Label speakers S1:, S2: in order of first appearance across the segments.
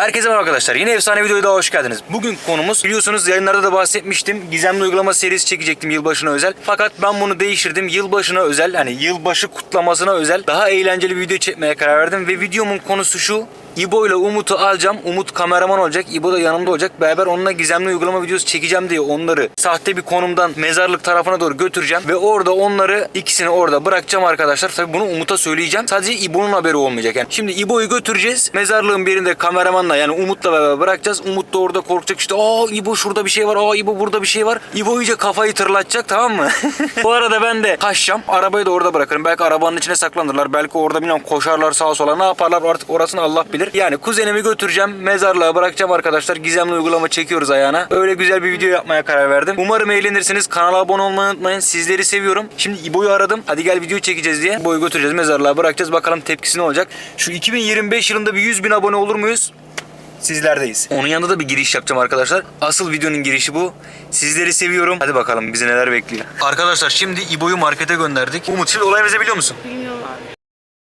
S1: Herkese merhaba arkadaşlar. Yine efsane videoya daha hoş geldiniz. Bugün konumuz, biliyorsunuz yayınlarda da bahsetmiştim. Gizemli uygulama serisi çekecektim yılbaşına özel. Fakat ben bunu değiştirdim. Yılbaşına özel, hani yılbaşı kutlamasına özel daha eğlenceli bir video çekmeye karar verdim. Ve videomun konusu şu: İbo ile Umut'u alacağım. Umut kameraman olacak. İbo da yanımda olacak. Beraber onunla gizemli uygulama videosu çekeceğim diye onları sahte bir konumdan mezarlık tarafına doğru götüreceğim. Ve orada onları ikisini orada bırakacağım arkadaşlar. Tabii bunu Umut'a söyleyeceğim. Sadece İbo'nun haberi olmayacak. Yani şimdi İbo'yu götüreceğiz. Mezarlığın birinde kameramanla, yani Umut'la beraber bırakacağız. Umut da orada korkacak, işte aa İbo şurada bir şey var. Aa İbo burada bir şey var. İbo iyice kafayı tırlatacak, tamam mı? Bu arada ben de kaçacağım. Arabayı da orada bırakırım. Belki arabanın içine saklanırlar. Belki orada bilmem koşarlar sağa sola. Ne yaparlar artık, orasını Allah bilir. Yani kuzenimi götüreceğim, mezarlığa bırakacağım arkadaşlar. Gizemli uygulama çekiyoruz ayağına. Öyle güzel bir video yapmaya karar verdim. Umarım eğlenirsiniz. Kanala abone olmayı unutmayın. Sizleri seviyorum. Şimdi İbo'yu aradım. Hadi gel video çekeceğiz diye. İbo'yu götüreceğiz, mezarlığa bırakacağız. Bakalım tepkisi ne olacak. Şu 2025 yılında bir 100.000 abone olur muyuz? Sizlerdeyiz. Onun yanında da bir giriş yapacağım arkadaşlar. Asıl videonun girişi bu. Sizleri seviyorum. Hadi bakalım bizi neler bekliyor. Arkadaşlar şimdi İbo'yu markete gönderdik. Umut, şimdi olayımızı biliyor musun?
S2: Bilmiyorum abi.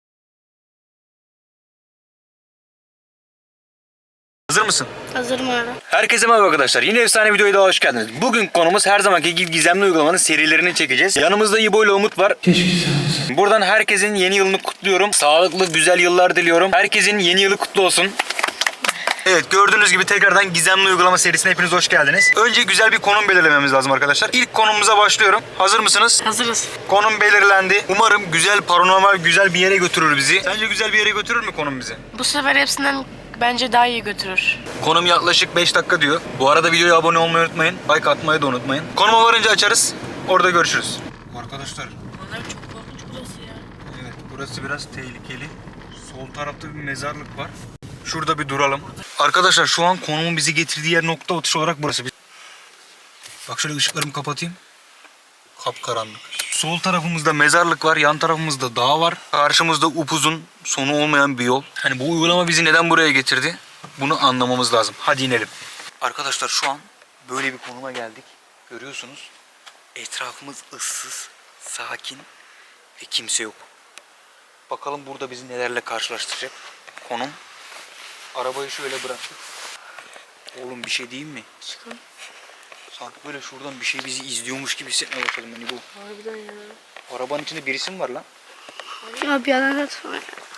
S1: Hazır mısın?
S2: Hazırım abi.
S1: Herkese merhaba arkadaşlar. Yine efsane videoya daha hoş geldiniz. Bugün konumuz her zamanki gibi gizemli uygulamanın serilerini çekeceğiz. Yanımızda İbo ile Umut var. Buradan herkesin yeni yılını kutluyorum. Sağlıklı, güzel yıllar diliyorum. Herkesin yeni yılı kutlu olsun. Evet, gördüğünüz gibi tekrardan gizemli uygulama serisine hepiniz hoş geldiniz. Önce güzel bir konum belirlememiz lazım arkadaşlar. İlk konumuza başlıyorum. Hazır mısınız?
S2: Hazırız.
S1: Konum belirlendi. Umarım güzel, paranormal, güzel bir yere götürür bizi. Sence güzel bir yere götürür mü konum bizi?
S2: Bu sefer hepsinden bence daha iyi götürür.
S1: Konum yaklaşık 5 dakika diyor. Bu arada videoya abone olmayı unutmayın. Like atmayı da unutmayın. Konuma varınca açarız. Orada görüşürüz. Arkadaşlar,
S2: Onlar çok korkunç burası ya.
S1: evet, burası biraz tehlikeli. Sol tarafta bir mezarlık var. Şurada bir duralım. Arkadaşlar şu an konumun bizi getirdiği yer, nokta atışı olarak burası. Bak şöyle ışıklarımı kapatayım. Kapkaranlık. Sol tarafımızda mezarlık var. Yan tarafımızda dağ var. Karşımızda upuzun, sonu olmayan bir yol. Hani bu uygulama bizi neden buraya getirdi? Bunu anlamamız lazım. Hadi inelim. Arkadaşlar şu an böyle bir konuma geldik. Görüyorsunuz. Etrafımız ıssız, sakin ve kimse yok. Bakalım burada bizi nelerle karşılaştıracak konum. Arabayı şöyle bıraktık. Oğlum bir şey diyeyim mi?
S2: Çıkın.
S1: Sanki böyle şuradan bir şey bizi izliyormuş gibi hissetmeye başladım ben bu.
S2: Harbiden ya.
S1: Arabanın içinde birisi mi var lan?
S2: Ya bir yana atma.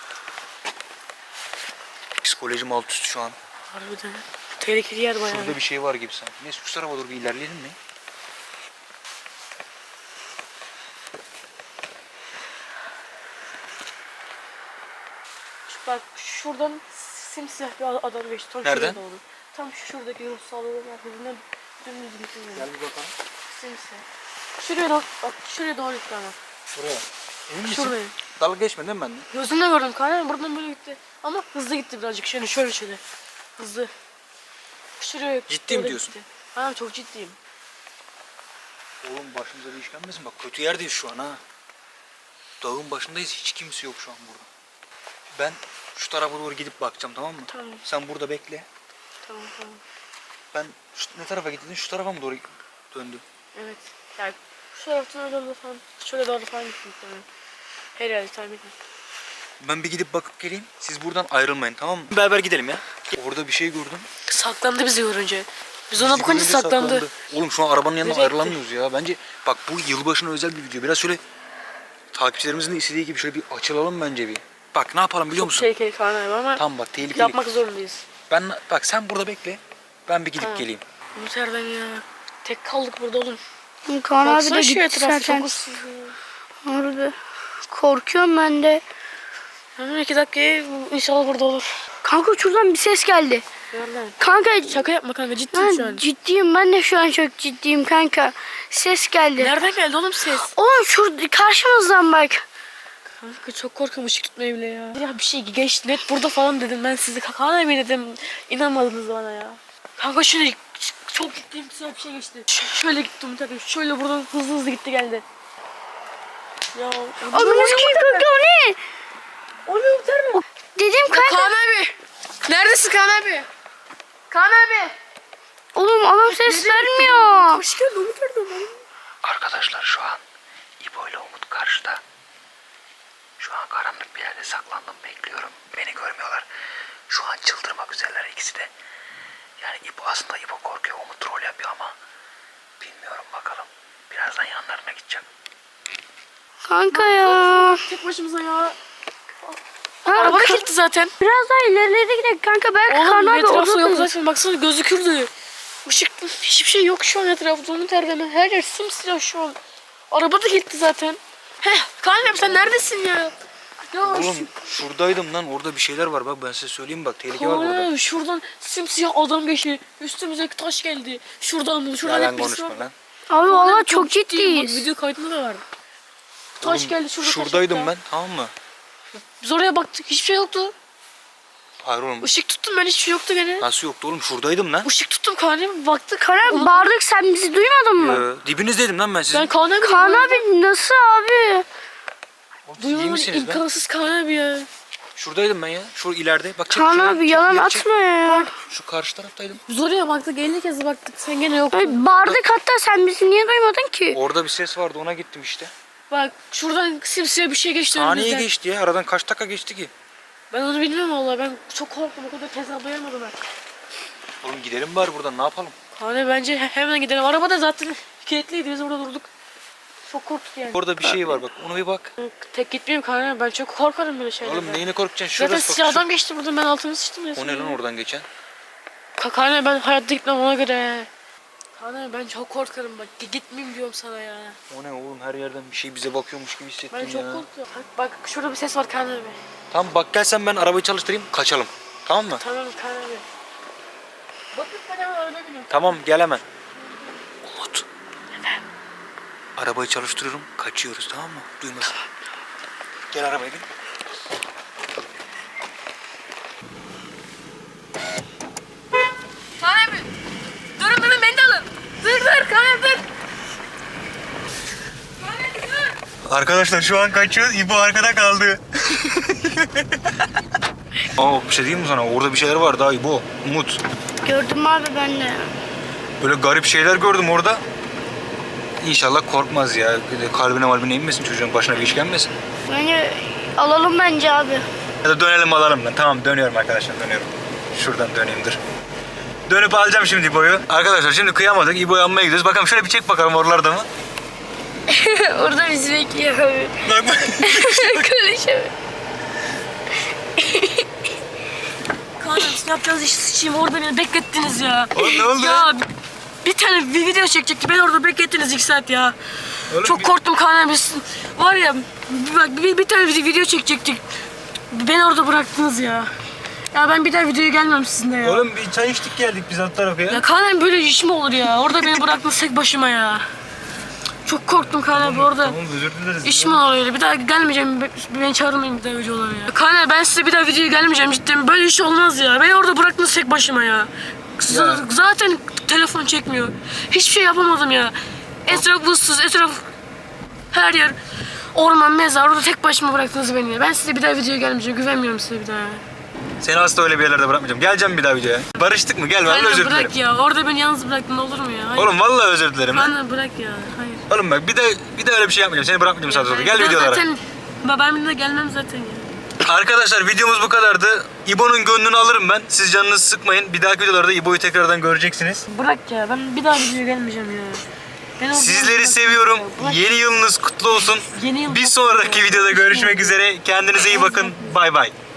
S1: Psikolojim alt üst şu an.
S2: Harbiden. Tehlikeli yer bayağı.
S1: Şurada bir şey var gibi sanki. Neyse şu tarafa doğru bir ilerleyelim mi?
S2: Bak şuradan simsiyah bir adam geçti. Tam
S1: Nereden?
S2: şuraya doğru. Tam şuradaki ruhsallığın arkasından dümdüz gitti.
S1: Gel bir bakalım.
S2: Simsiyah. Şuraya doğru, bak şuraya doğru gitti ama.
S1: Şuraya. Emin misin?
S2: Şuraya.
S1: Dalga geçme değil mi benden?
S2: Gözümle gördüm kanka, buradan böyle gitti. Ama hızlı gitti birazcık, şöyle. Hızlı. Şuraya
S1: Ciddi mi
S2: doğru
S1: diyorsun?
S2: gitti. Ha, çok ciddiyim.
S1: Oğlum başımıza bir iş gelmesin. Bak kötü yerdeyiz şu an ha. Dağın başındayız. Hiç kimse yok şu an burada. Ben şu tarafa doğru gidip bakacağım, tamam mı?
S2: Tamam.
S1: Sen burada bekle.
S2: Tamam.
S1: Ben ne tarafa gittin? Şu tarafa mı doğru döndüm?
S2: Evet. Yani şu taraftan öyle doğru falan, şöyle doğru falan gittim muhtemelen. Herhalde tahmin ettim.
S1: Ben bir gidip bakıp geleyim. Siz buradan ayrılmayın, tamam mı? Beraber gidelim ya. Orada bir şey gördüm.
S2: Saklandı bizi görünce. Biz ona
S1: Bizi
S2: bakınca
S1: görünce
S2: saklandı.
S1: Oğlum şu an arabanın yanına
S2: Nereye
S1: ayrılamıyoruz ya. Bence bak bu yılbaşına özel bir video. Biraz şöyle takipçilerimizin de istediği gibi şöyle bir açılalım bence bir. Bak ne yapalım biliyor
S2: Çok
S1: musun?
S2: tehlikeli falan abi ama
S1: Tamam bak, tehlikeli.
S2: yapmak zorundayız.
S1: Bak sen burada bekle. Ben bir gidip
S2: Tamam.
S1: geleyim.
S2: Umut Erdem ya. Tek kaldık burada oğlum.
S3: Kaan abi
S2: Baksana
S3: de
S2: şu
S3: gitti
S2: etrafı
S3: zaten.
S2: çok ıssız ya.
S3: Harbi. Korkuyorum ben de.
S2: Hemen 2 dakikaya inşallah burada olur.
S3: Kanka şuradan bir ses geldi.
S2: Nereden?
S3: Kanka
S2: Şaka yapma kanka, ciddiyim şu
S3: ben
S2: an.
S3: ciddiyim, ben de şu an çok ciddiyim kanka. Ses geldi.
S2: Nereden geldi oğlum ses?
S3: Oğlum şurada karşımızdan bak.
S2: Kanka çok korkuyorum ışık tutmaya bile ya. Ya bir şey geçti net burada falan dedim ben size. Kaan abi dedim. İnanmadınız bana ya. Kanka şöyle çok ciddiyim, size bir şey geçti. Şöyle gittim tabii. Şöyle buradan hızlı gitti geldi. Ya.
S3: Oğlum kim kanka, o ne?
S2: O ne unutar mı?
S3: Dedim kanka.
S2: Kaan abi. Neredesin Kaan abi? Kaan abi.
S3: Oğlum adam ses vermiyor.
S2: Hoş geldin Umut Erdem.
S1: Arkadaşlar şu an İbo ile Umut karşıda. Şu an karanlık bir yerde saklandım, bekliyorum. Beni görmüyorlar. Şu an çıldırmak üzereler ikisi de. Yani İbo aslında İbo korkuyor. O mu troll yapıyor ama bilmiyorum bakalım. Birazdan yanlarına gideceğim.
S3: Kanka ya.
S2: Tek başımıza ya.
S3: Ha,
S2: Araba da kilitli zaten.
S3: Biraz daha ilerlere gidelim kanka. Belki
S2: Oğlum
S3: Kaan abi
S2: etrafta yok
S3: orada.
S2: zaten. Baksana gözükürdü. Işık hiçbir şey yok şu an etrafta. Onu terleme. Her yer simsiyah şu an. Araba da kilitli zaten. Heh Kaan abi sen neredesin ya? Ya
S1: Oğlum şuradaydım lan. Orada bir şeyler var. Bak ben size söyleyeyim bak. Tehlike var burada.
S2: Kaan şuradan simsiyah adam geçti. Üstümüze taş geldi. Şuradan şuradan
S1: Yalan
S2: hep birisi
S1: konuşma
S2: var.
S1: lan.
S3: Abi valla çok
S2: ciddiyim. Bak,
S3: ciddiyiz.
S2: video kaydında da var. Taş
S1: Oğlum,
S2: geldi şurada.
S1: şuradaydım
S2: taş
S1: ben, tamam mı?
S2: Biz oraya baktık hiçbir şey yoktu.
S1: Hayır oğlum.
S2: Işık tuttum ben hiçbir şey yoktu gene.
S1: Nasıl yoktu oğlum? Şuradaydım lan.
S2: Işık tuttum Kaan abi baktık.
S3: Kaan abi bağırdık, sen bizi duymadın mı?
S1: Dibinizdeydim lan ben sizin.
S2: Ben Kaan abi
S3: Kaan abi nasıl abi?
S1: Oğlum, siz iyi
S2: duymadım
S1: misiniz lan?
S2: imkansız Kaan abi ya.
S1: Şuradaydım ben ya. Şu ileride. Bak çek
S3: Kaan
S1: şuraya,
S3: abi
S1: çek,
S3: yalan
S1: ileri çek.
S3: atma ya.
S1: Şu karşı taraftaydım.
S2: Biz oraya baktık 50 kez baktık sen gene yoktun.
S3: Ay, bağırdık hatta, sen bizi niye duymadın ki?
S1: Orada bir ses vardı, ona gittim işte.
S2: Bak şuradan simsiyah bir şey geçti
S1: Saniye
S2: önümüzden.
S1: geçti ya. Aradan kaç dakika geçti ki?
S2: Ben onu bilmiyorum vallahi ben çok korktum o kadar hesaplayamadım ben.
S1: Oğlum gidelim bari buradan, ne yapalım?
S2: Kaan abi bence hemen gidelim. Araba da zaten kilitliydi biz orada durduk. Çok korktuk yani.
S1: Orada bir şey var bak, ona bir bak.
S2: Tek gitmeyeyim Kaan abi ben çok korkarım böyle şeylerden.
S1: Oğlum neyine korkacaksın?
S2: Zaten
S1: Şurası bak.
S2: siyah adam geçti buradan ben altımı sıçtım resmen.
S1: O ne lan oradan geçen?
S2: Kaan abi ben hayatta gitmem ona göre. Kaan abi ben çok korkarım bak gitmeyeyim diyorum sana ya.
S1: O ne oğlum, her yerden bir şey bize bakıyormuş gibi hissettim
S2: Ben
S1: ya.
S2: çok korkuyorum. Bak şurada bir ses var Kaan abi.
S1: Tamam bak, gel sen, ben arabayı çalıştırayım, kaçalım. Tamam mı?
S2: Tamam Kaan abi. Bakın ben hemen arada biniyorum.
S1: Tamam, gel hemen. Umut. Arabayı çalıştırıyorum, kaçıyoruz, tamam mı? Duymasın. Gel arabaya bin.
S2: Kaan abi. Durun beni de alın. Dur Kaan abi dur. Kaan abi dur.
S1: Arkadaşlar şu an kaçıyoruz. İbo arkada kaldı. Aa, bir şey diyeyim mi sana? Orada bir şeyler var daha İbo. Umut.
S3: Gördüm abi ben de.
S1: Böyle garip şeyler gördüm orada. İnşallah korkmaz ya. Kalbine malbine inmesin, çocuğun başına bir iş gelmesin.
S3: Bence alalım bence abi.
S1: Ya da dönelim alalım lan. Tamam, dönüyorum arkadaşlar, dönüyorum. Şuradan döneyim, dur. Dönüp alacağım şimdi İbo'yu. Arkadaşlar şimdi kıyamadık. İbo'yu almaya gidiyoruz. Bakalım şöyle bir çek bakalım oralarda mı?
S3: Orada bizi bekliyor abi.
S1: Bak bak.
S3: Konuşamıyorum.
S2: Kaan abi ne yapacağız iş sıçayım orada beni beklettiniz ya.
S1: Oğlum ne oldu?
S2: Ya bir tane bir video çekecekti beni orada beklettiniz 2 saat ya.
S1: Oğlum
S2: Çok
S1: bir-
S2: korktum Kaan abi. Var ya bak bir tane video çekecektik. Beni orada bıraktınız ya. Ya ben bir daha videoya gelmem sizinle ya.
S1: Oğlum bir çay içtik geldik biz alt tarafa ya.
S2: Ya Kaan abi böyle iş mi olur ya? Orada beni bıraktınız tek başıma ya. Çok korktum Kaan abi orada.
S1: Tamam, özür dileriz.
S2: İş mi olur öyle? Bir daha gelmeyeceğim. Beni çağırmayın bir daha videolara ya. Kaan abi ben size bir daha videoya gelmeyeceğim cidden. Böyle iş olmaz ya. Beni orada bıraktınız tek başıma ya. Zaten telefon çekmiyor. Hiçbir şey yapamadım ya. Etraf ıssız, etraf her yer orman, mezar. Orada tek başıma bıraktınız beni ya. Ben size bir daha videoya gelmeyeceğim. Güvenmiyorum size bir daha.
S1: Seni asla öyle bir yerlerde bırakmayacağım. Geleceğim bir daha videoya. Barıştık mı? Gel, ben de
S2: Aynen,
S1: özür
S2: bırak
S1: dilerim.
S2: ya. Orada beni yalnız bıraktın olur mu ya? Hayır.
S1: Oğlum vallahi özür dilerim. lan.
S2: Aynen bırak ya. Hayır.
S1: Oğlum bak, bir de öyle bir şey yapmayacağım. Seni bırakmayacağım sağda solda. Gel
S2: Ben
S1: videolara.
S2: Zaten ben bir de gelmem zaten ya.
S1: Arkadaşlar videomuz bu kadardı. İbo'nun gönlünü alırım ben. Siz canınızı sıkmayın. Bir dahaki videolarda İbo'yu tekrardan göreceksiniz.
S2: Bırak ya. Ben bir daha videoya gelmeyeceğim ya. Ben orada
S1: Sizleri
S2: bırak-
S1: seviyorum.
S2: Bırak.
S1: Yeni yılınız kutlu olsun.
S2: Yeni yıl
S1: Bir sonraki videoda görüşmek üzere. Kendinize iyi bakın. Bay bay.